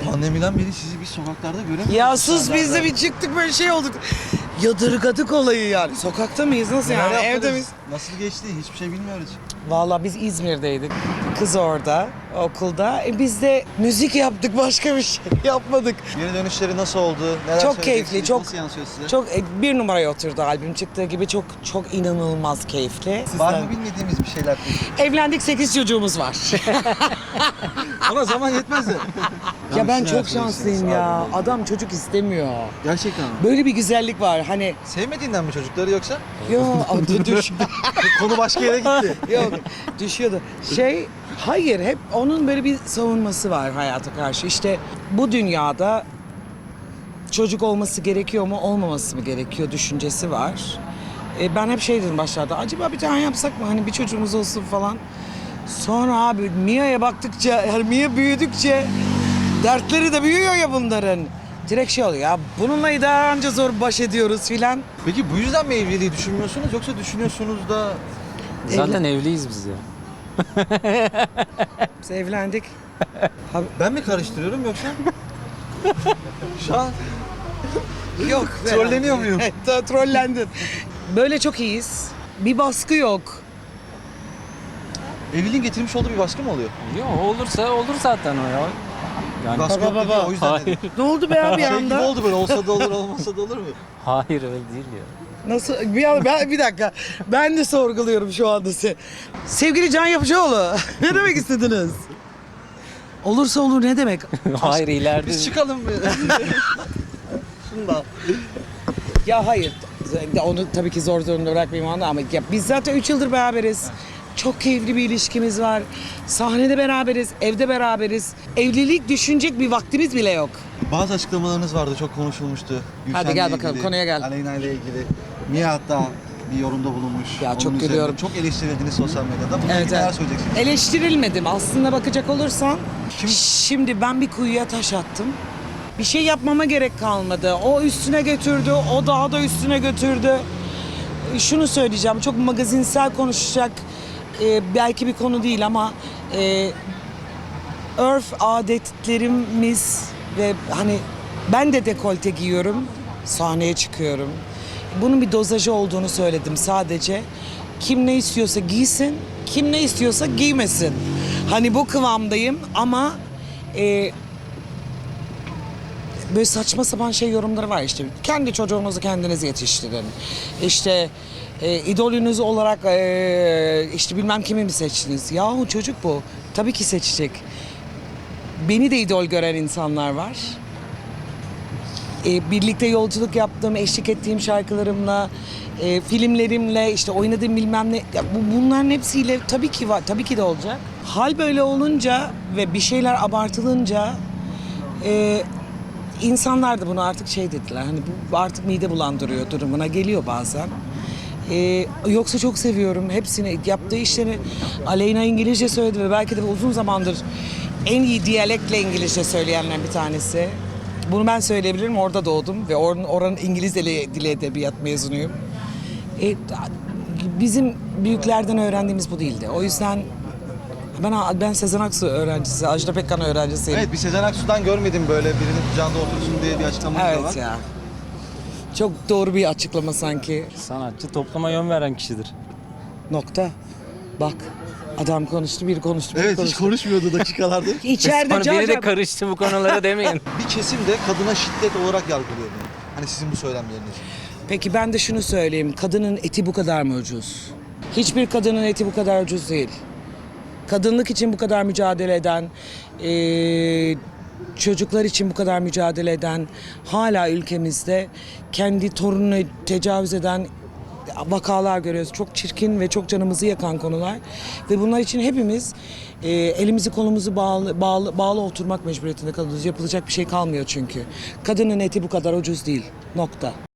Pandemiden beri sizi biz sokaklarda göremiyoruz. Ya sus, biz de bir çıktık böyle şey olduk. Yadırgadık olayı yani. Sokakta mıyız? Nasıl yani? Evde miyiz? Nasıl geçti? Hiçbir şey bilmiyoruz. Vallahi biz İzmir'deydik. Kız orada, okulda. Biz de müzik yaptık, başka bir şey yapmadık. Geri dönüşleri nasıl oldu? Neler Çok söyleyeceksiniz? keyifli, çok Nasıl yansıyor size? çok bir numaraya oturdu albüm çıktığı gibi, çok çok inanılmaz keyifli. Var mı bilmediğimiz bir şeyler peki? Evlendik, 8 çocuğumuz var. Ona zaman yetmez de. Ya ben Siz çok neler şanslıyım söyleyeceksiniz? ya. Abi. Adam çocuk istemiyor. Gerçekten mi? Böyle bir güzellik var. Hani Sevmediğinden mi çocukları yoksa? yo düş. Konu başka yere gitti. Yok, düşüyordu. Hayır, hep onun böyle bir savunması var hayata karşı. İşte bu dünyada çocuk olması gerekiyor mu, olmaması mı gerekiyor düşüncesi var. Ben hep şey dedim başlarda, acaba bir tane yapsak mı, hani bir çocuğumuz olsun falan. Sonra abi Mia'ya baktıkça, yani Mia büyüdükçe dertleri de büyüyor ya bunların. Direkt şey oluyor ya, bununla idare anca zor baş ediyoruz filan. Peki bu yüzden mi evliliği düşünmüyorsunuz yoksa düşünüyorsunuz da... Zaten evliyiz biz ya. Biz evlendik. Ben mi karıştırıyorum yoksa? Şu an Yok. Trolleniyor muyum? Trollendin. Böyle çok iyiyiz. Bir baskı yok. evliliğin getirmiş olduğu bir baskı mı oluyor? Yok olursa olur zaten o ya. Yani Baskı yok dedi, o yüzden Hayır. dedim. Ne oldu be abi Şey gibi anda? oldu böyle, olsa da olur olmasa da olur mu? hayır öyle değil ya. Nasıl? Bir dakika. Ben de sorguluyorum şu anda sizi. Sevgili Can Yapıcıoğlu, ne demek istediniz? Olursa olur ne demek? Hayır ileride. Biz çıkalım mı? Şundan. Ya hayır. Onu tabii ki zor durumda bırakmayayım anda ama ya biz zaten 3 yıldır beraberiz. Çok keyifli bir ilişkimiz var. Sahnede beraberiz, evde beraberiz. Evlilik düşünecek bir vaktimiz bile yok. Bazı açıklamalarınız vardı, çok konuşulmuştu. Hadi gel bakalım, konuya gel. Aleyna ile ilgili. Mia hatta bir yorumda bulunmuş. Ya Onun çok üzerine gülüyorum. Çok eleştirildiniz sosyal medyada. Bununla ilgili neler söyleyeceksiniz? Eleştirilmedim. Aslında bakacak olursan, şimdi ben bir kuyuya taş attım. Bir şey yapmama gerek kalmadı. O üstüne götürdü, o daha da üstüne götürdü. Şunu söyleyeceğim, çok magazinsel konuşacak belki bir konu değil ama örf adetlerimiz ve hani ben de dekolte giyiyorum, sahneye çıkıyorum. Bunun bir dozajı olduğunu söyledim sadece. Kim ne istiyorsa giysin, kim ne istiyorsa giymesin. Hani bu kıvamdayım ama böyle saçma sapan şey yorumları var işte. Kendi çocuğunuzu kendiniz yetiştirin. İşte idolünüz olarak işte bilmem kimi mi seçtiniz? Yahu çocuk bu. Tabii ki seçecek. Beni de idol gören insanlar var. Birlikte yolculuk yaptığım, eşlik ettiğim şarkılarımla, filmlerimle, işte oynadığım bilmem ne. Ya bunların hepsiyle tabii ki var, tabii ki de olacak. Hal böyle olunca ve bir şeyler abartılınca insanlar da bunu artık şey dediler. Hani bu artık mide bulandırıyor durumuna geliyor bazen. Yoksa çok seviyorum hepsini, yaptığı işleri. Aleyna İngilizce söyledi ve belki de uzun zamandır en iyi diyalektle İngilizce söyleyenler bir tanesi. Bunu ben söyleyebilirim, orada doğdum ve oranın İngiliz dili edebiyat mezunuyum. Bizim büyüklerden öğrendiğimiz bu değildi. O yüzden ben Sezen Aksu öğrencisi, Ajda Pekkan öğrencisiyim. Evet, bir Sezen Aksu'dan görmedim böyle birinin kucağında otursun diye bir açıklamanız da var. Evet ya. Çok doğru bir açıklama sanki. Sanatçı topluma yön veren kişidir. Nokta. Bak. Adam konuştu, biri konuştu, biri Evet, hiç konuştu. konuşmuyordu dakikalardır. İçeride Sonra biri de Can karıştı bu konulara demeyin. Bir kesim de kadına şiddet olarak yargılıyor bunu. Hani sizin bu söylemleriniz. Peki ben de şunu söyleyeyim. Kadının eti bu kadar mı ucuz? Hiçbir kadının eti bu kadar ucuz değil. Kadınlık için bu kadar mücadele eden, çocuklar için bu kadar mücadele eden, hala ülkemizde kendi torununu tecavüz eden vakalar görüyoruz. Çok çirkin ve çok canımızı yakan konular. Ve bunlar için hepimiz elimizi kolumuzu bağlı oturmak mecburiyetinde kalıyoruz. Yapılacak bir şey kalmıyor çünkü. Kadının eti bu kadar ucuz değil. Nokta.